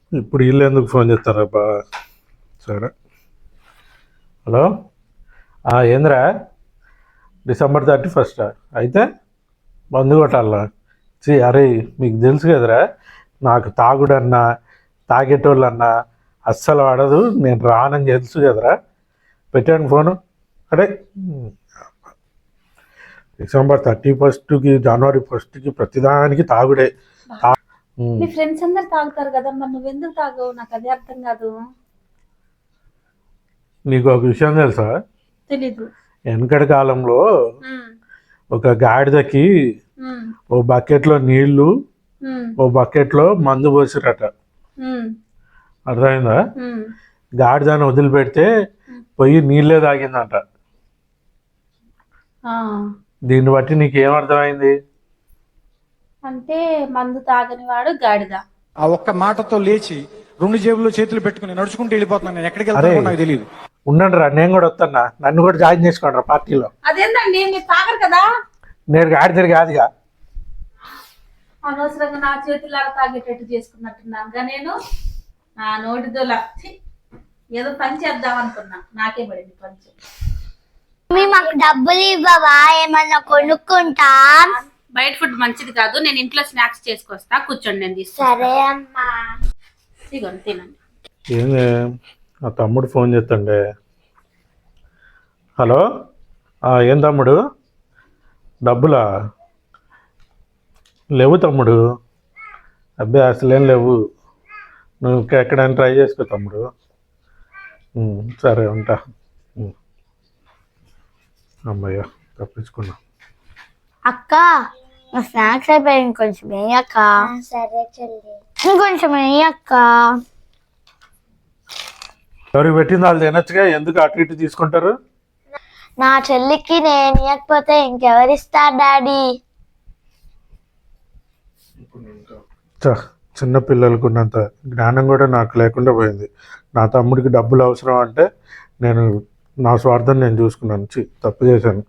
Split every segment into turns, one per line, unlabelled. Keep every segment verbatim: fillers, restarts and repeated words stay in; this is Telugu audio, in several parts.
ఇప్పుడు వీళ్ళు ఎందుకు ఫోన్ చేస్తారబ్బా? సరే. హలో, ఏంద్రా? డిసెంబర్ థర్టీ ఫస్ట్ అయితే బంద్ కొట్టాలా? చి అరే, మీకు తెలుసు కదరా, నాకు తాగుడన్నా తాగేటోళ్ళన్నా అస్సలు వాడదు. నేను రానని తెలుసు కదరా. పెట్టాను ఫోను. అరే, డిసెంబర్ థర్టీ ఫస్ట్కి జనవరి ఫస్ట్కి ప్రతిదానికి తాగుడే.
మీ ఫ్రెండ్స్ అందరు తాగుతారు కదా, మరి నువ్వు ఎందుకు తాగవు? నాకు అదే అర్థం కాదు.
నీకు ఒక విషయం తెలుసా?
తెలీదు.
వెనకటి కాలంలో ఒక గాడిదకి ఓ బకెట్లో నీళ్లు ఓ బకెట్లో మందు పోసిరట. అర్థమైందా? గాడిదని వదిలిపెడితే పోయి నీళ్ళే తాగిందంట. దీన్ని బట్టి నీకు ఏమర్థమైంది?
అంటే మందు తాగని వాడు గాడిద.
ఆ ఒక్క మాటతో లేచి రెండు జేబుల్లో చేతులు పెట్టుకుని నడుచుకుంటూ వెళ్ళిపోతున్నాను. నేను ఎక్కడికి వెళ్తానో నాకు తెలియదు.
ఉండండి రా, నేను కూడా వస్తున్నా. నన్ను కూడా జాయిన్ చేసుకోండి రా పార్టీలో.
అదేందండి, మీరు తాగరు కదా?
నేను గాడిదడి కాదుగా.
అనవసరంగా నా చేతులాగా తాగేటట్టు చేసుకున్నట్టున్నానుగా నేను. నా నోటిదోల ఏదో పని చేద్దాం అనుకున్నా, నాకే పడింది పంచు.
మాకు డబ్బులు ఇవ్వవా? ఏమన్నా కొనుక్కుంటా.
బయట ఫుడ్ మంచిది కాదు, నేను ఇంట్లో స్నాక్స్ చేసుకొస్తా. కూర్చోండి, నేను తీసుకొస్తా.
సరే అమ్మా.
ఇదిగోండి, తినండి.
ఏంది ఆ తమ్ముడు ఫోన్ చేస్తుండే? హలో, ఏం తమ్ముడు? డబ్బులా? లేవు తమ్ముడు. అబ్బాయి అసలేం లేవు. నువ్వు ఎక్కడైనా ట్రై చేసుకో తమ్ముడు. సరే ఉంటా. అమ్మయ్య, తప్పించుకున్నా.
అక్క, నా స్నాక్స్ అయిపోయి ఇంకొంచెం వేయక్క. సరే చెల్లి, ఇంకొంచెం వేయక్క.
ఎవరికి పెట్టింది వాళ్ళు తినచ్చుగా, ఎందుకు అటు ఇటు తీసుకుంటారు?
నా చెల్లికి నేను ఇవ్వకపోతే ఇంకెవరిస్తారు డాడీ?
చిన్న పిల్లలకు ఉన్నంత జ్ఞానం కూడా నాకు లేకుండా పోయింది. నా తమ్ముడికి డబ్బులు అవసరం అంటే నేను నా స్వార్థం నేను చూసుకున్నాను. చి తప్పు చేశాను.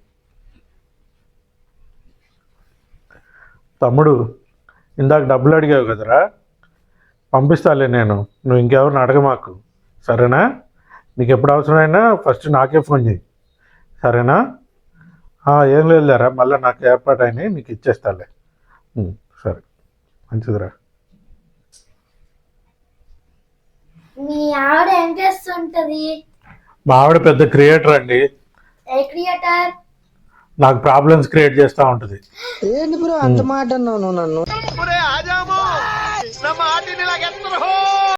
తమ్ముడు, ఇందాక డబ్బులు అడిగావు కదరా, పంపిస్తాలే నేను. నువ్వు ఇంకెవరిని అడగ మాకు, సరేనా? నీకు ఎప్పుడు అవసరమైనా ఫస్ట్ నాకే ఫోన్ చేయి, సరేనా? ఏం లేదులేరా, మళ్ళీ నాకు ఏర్పాటు అయినాయి, నీకు ఇచ్చేస్తాలే. సరే, మంచిదిరా.
మీ ఆవిడ ఏం చేస్తుంటది?
మా ఆవిడ పెద్ద క్రియేటర్ అండి.
ఏ క్రియేటర్?
నాకు ప్రాబ్లమ్స్ క్రియేట్ చేస్తూ ఉంటుంది.
ఏంటి బ్రో అంత మాట అన్నావు నన్ను?